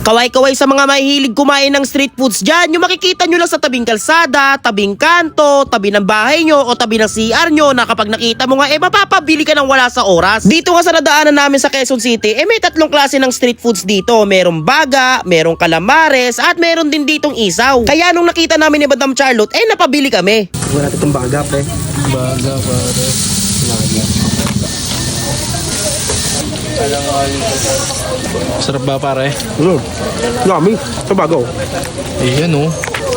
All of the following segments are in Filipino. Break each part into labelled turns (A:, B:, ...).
A: Kaway-kaway sa mga mahihilig kumain ng street foods dyan, yung makikita nyo lang sa tabing kalsada, tabing kanto, tabi ng bahay nyo o tabi ng CR nyo na kapag nakita mo nga mapapabili ka ng wala sa oras. Dito nga sa nadaanan namin sa Quezon City, may tatlong klase ng street foods dito. Merong baga, merong calamares at meron din ditong isaw. Kaya nung nakita namin ni Madam Charlotte, napabili kami. Wala natin itong baga, pre.
B: Baga, pare. Baga. Sarap ba, pare?
A: Yummy. Sa bago.
B: Ayan, oh.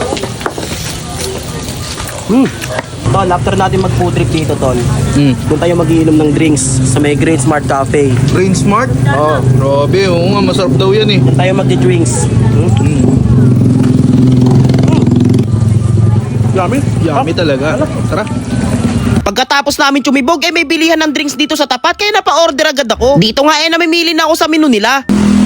A: Tol, after natin mag-food trip dito, Tol, doon tayo magiinom ng drinks sa may Great Smart Cafe.
B: Brain Smart?
A: Oo.
B: Grabe, oo nga. Masarap daw yan, eh.
A: Doon tayo mag-drinks. Yummy.
B: Yummy talaga. Tara.
A: Pagkatapos namin tumibog, may bilihan ng drinks dito sa tapat, kaya napa-order agad ako. Dito nga namimili na ako sa menu nila.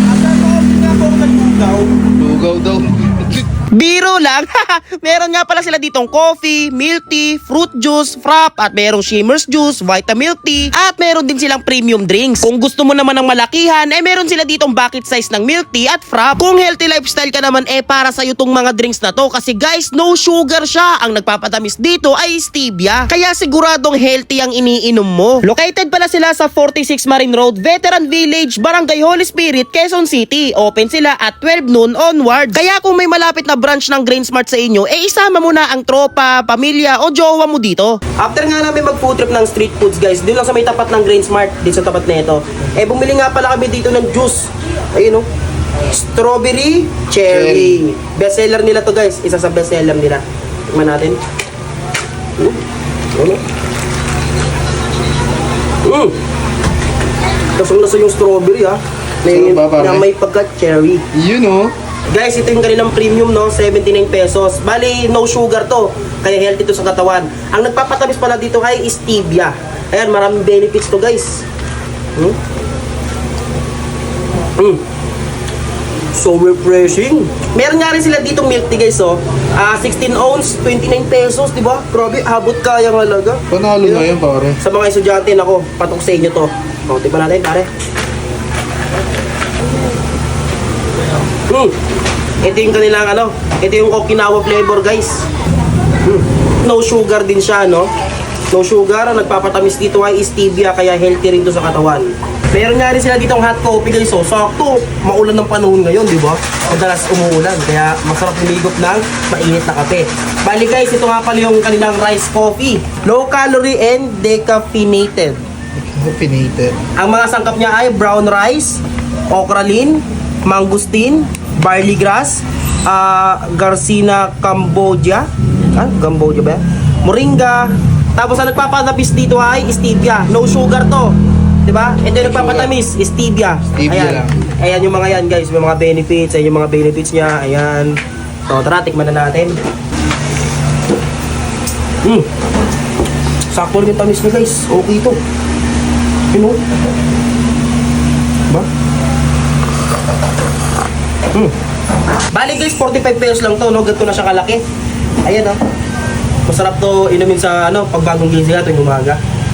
B: Lugaw daw.
A: Biro lang. Meron nga pala sila ditong coffee, milk tea, fruit juice, frap, at merong shimmer's juice, Vitamilk tea, at meron din silang premium drinks. Kung gusto mo naman ng malakihan, meron sila ditong bucket size ng milk tea at frap. Kung healthy lifestyle ka naman, para sa'yo tong mga drinks na to, kasi guys, no sugar siya. Ang nagpapatamis dito ay stevia. Kaya siguradong healthy ang iniinom mo. Located pala sila sa 46 Marine Road, Veteran Village, Barangay Holy Spirit, Quezon City. Open sila at 12 noon onward. Kaya kung may malapit na branch ng Grain Smart sa inyo, isama mo na ang tropa, pamilya o jowa mo dito. After nga namin mag-food trip ng street foods, guys, dito lang sa may tapat ng Grain Smart, dito sa tapat na ito, bumili nga pala kami dito ng juice. Ayun, strawberry cherry. Bestseller nila to, guys. Isa sa bestseller nila. Tingnan natin. Lasong-lasa yung strawberry, ha. Na may pagka-cherry.
B: You know.
A: Guys, ito yung kanilang premium, 79 pesos. Bali, no sugar to. Kaya healthy to sa katawan. Ang nagpapatamis pala dito ay stevia. Ayan, maraming benefits to, guys. So refreshing. Meron nga rin sila dito milk tea, guys, 16 ounce, 29 pesos, di ba? Grabe, habot kaya ng halaga.
B: Panalo na yan, pare.
A: Sa mga estudyante, nako, patok sa inyo to. Tipa natin, pare. Ito yung kanilang ito yung Okinawa flavor, guys. No sugar din siya, no? No sugar, ang nagpapatamis dito ay stevia, kaya healthy rin to sa katawan. Meron nga rin sila ditong hot coffee, guys. So, sakto, maulan ng panahon ngayon, di ba? Madalas umuulan, kaya masarap humigop ng mainit na kape. Bali, guys, ito nga pala yung kanilang rice coffee. Low calorie and decaffeinated.
B: Decaffeinated.
A: Ang mga sangkap niya ay brown rice, okralin, mangustin, barley grass, Garcinia Cambodia. Cambodia ba yan? Moringa. Tapos ang nagpapatamis dito ay stevia. No sugar to. Diba? Ito yung nagpapatamis, stevia.
B: Stevia
A: Ayan.
B: lang.
A: Ayan yung mga yan, guys. May mga benefits. Ayan yung mga benefits niya. Ayan. So, tara, tikman na natin. Sakto rin yung tamis niya, guys. Okay ito. Yun, Diba? Bali, guys, 45 pesos lang to, no? Ganito na siya kalaki. Ayan, masarap to inumin sa pagbagong gising natin umaga.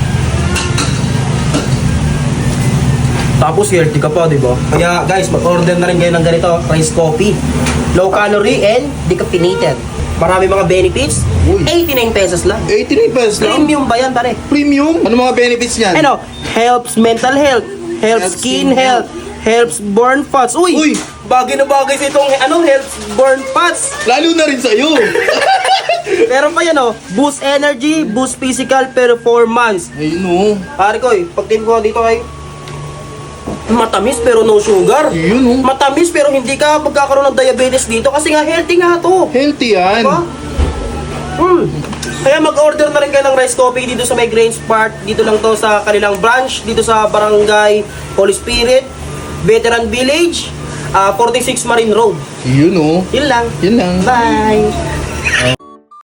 A: Tapos healthy ka pa, di ba? Kaya, guys, mag-order na rin kayo ng ganito, rice coffee. Low calorie and decaffeinated. Marami mga benefits. 89 pesos lang.
B: 89 pesos lang?
A: Premium ba yan, pare?
B: Premium? Ano mga benefits niyan?
A: Helps mental health, helps skin health, helps burn fats. Uy! Bagay na bagay sa itong helps burn fats.
B: Lalo na rin sa'yo.
A: Meron pa yan, boost energy, boost physical performance.
B: Ayun,
A: Pare ko, pag ko dito ay matamis pero no sugar.
B: Yun,
A: Matamis pero hindi ka magkakaroon ng diabetes dito kasi nga healthy nga to.
B: Healthy yan.
A: Diba? Kaya mag-order na rin kayo ng rice coffee dito sa may Grain Smart. Dito lang to sa kanilang branch, dito sa Barangay Holy Spirit, Veteran Village, 46 Marine Road.
B: Yun,
A: Yun lang.
B: Yun lang.
A: Bye!